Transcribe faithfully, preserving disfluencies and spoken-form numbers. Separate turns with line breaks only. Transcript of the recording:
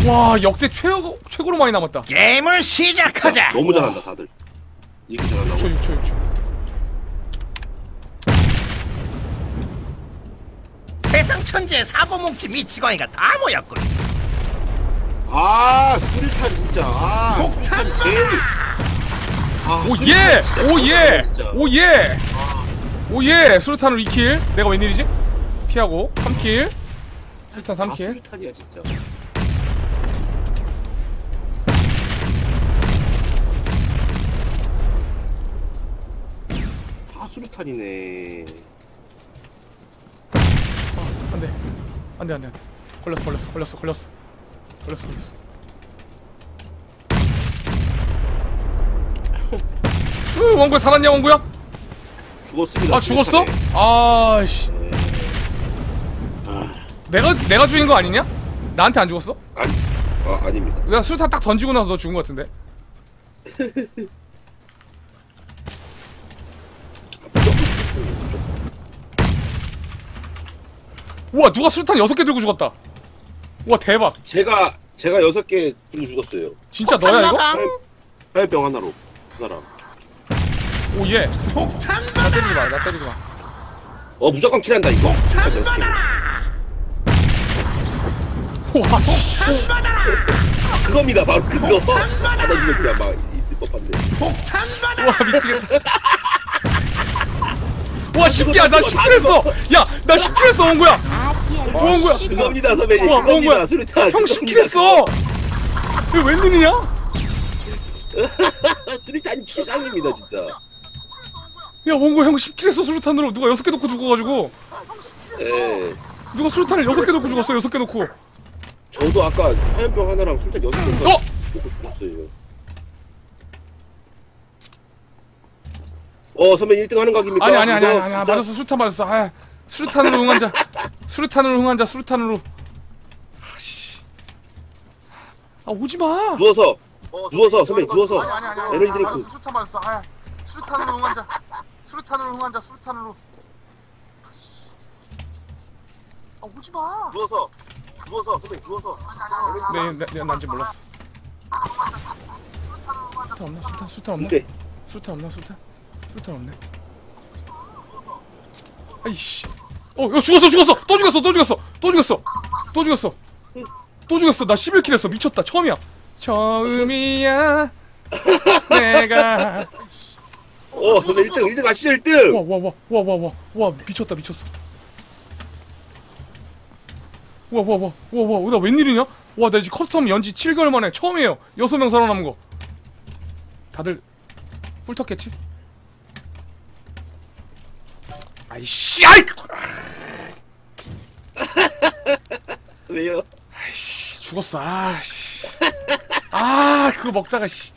와 역대 최고 최고로 많이 남았다.
게임을 시작하자.
너무 잘한다 다들. 이렇게 잘한다고.
육 초 육 초 육 초.
세상 천지의 사고뭉치 미치광이가 다 모였군.
아 수류탄 진짜. 아
폭탄
수류탄 제일. 아,
오예!
수류탄 진짜
오예!
진짜.
오예! 오예! 수류탄으로 이 킬. 내가 웬일이지? 피하고 삼 킬. 수류탄 삼
아,
킬.
수류탄이야 진짜. 다 수류탄이네.
아, 안돼. 안돼 안돼 안돼. 걸렸어 걸렸어 걸렸어 걸렸어. 걸렸어 걸렸어. 으 원구야 살았냐 원구야?
죽었습니다.
아 죽었어?
수류탄에.
아씨. 내가 내가 죽인 거 아니냐? 나한테 안 죽었어?
아니, 아 아닙니다.
내가 수류탄 딱 던지고 나서 너 죽은 거 같은데. 우와 누가 수류탄 여섯 개 들고 죽었다. 우와 대박.
제가 제가 여섯 개 들고 죽었어요.
진짜 너야 이거?
화염병 하나로 그 사람.
오예.
폭탄
나
받아.
때리지 마. 나 때리지 마.
어 무조건 킬한다 이거.
폭탄
여섯 개.
받아라.
우와 씨.
폭탄 받아라.
그겁니다 바로 그거.
폭탄 받아라.
받아주면 그냥 막 있을 법한데.
폭탄 받아.
우와 미치겠다. 우와 십 개야. 나 십 킬 했어. 야 나 십 킬 했어 원구야. 원구야.
그겁니다 선배님.
우와
그겁니다
원구야.
수류탄.
형 십 킬 했어. 이거 웬일이냐?
수류탄이 최상입니다 진짜.
야 원구 형 십 킬 했어 수류탄으로. 누가 여섯 개 놓고 죽어가지고.
예.
누가 수류탄을 여섯 개 놓고 죽었어. 여섯 개 놓고.
저도 아까 화염병 하나랑 수류탄 여섯 개
어?
놓고 죽었어요. 어 선배님 일 등 하는 각입니까?
아니 아니 아니
이거
아니 아니
진짜-
맞았어. 수류탄 맞았어. 아 수류탄으로 응한자. 수류탄으로 응한자. 수류탄으로. 아씨. 아 오지 마.
누워서 누워서 선배님 누워서
아니 아니 아니.
에너지 드링크.
수류탄 맞았어. 아 수류탄으로 응한자. 수류탄으로 응한자. 수류탄으로. 아씨. 아 오지 마.
누워서 누워서 선배님 누워서.
네, 네, 네, 난지 몰랐어. 수류탄 없나? 수류탄, 수류탄 없나?
오케이.
수류탄 없나? 수류탄? 수류탄 없네. 아이씨. 어, 야 죽었어, 죽었어. 또 죽였어, 또 죽였어, 또 죽였어, 또 죽였어, 또 죽였어. 나 십일 킬 했어. 미쳤다. 처음이야. 처음이야. 내가.
어 선배 일 등 일 등 가시죠 일 등.
와, 와, 와, 와, 와, 와, 와, 미쳤다, 미쳤어. 와, 와, 와, 와, 와, 나 웬일이냐? 와, 나 지금 커스텀 연지 칠 개월 만에 처음이에요. 여섯 명 살아남은 거. 다들 훑었겠지? 아이씨, 아이!
왜요?
아이씨, 죽었어. 아씨. 아, 그거 먹다가 씨.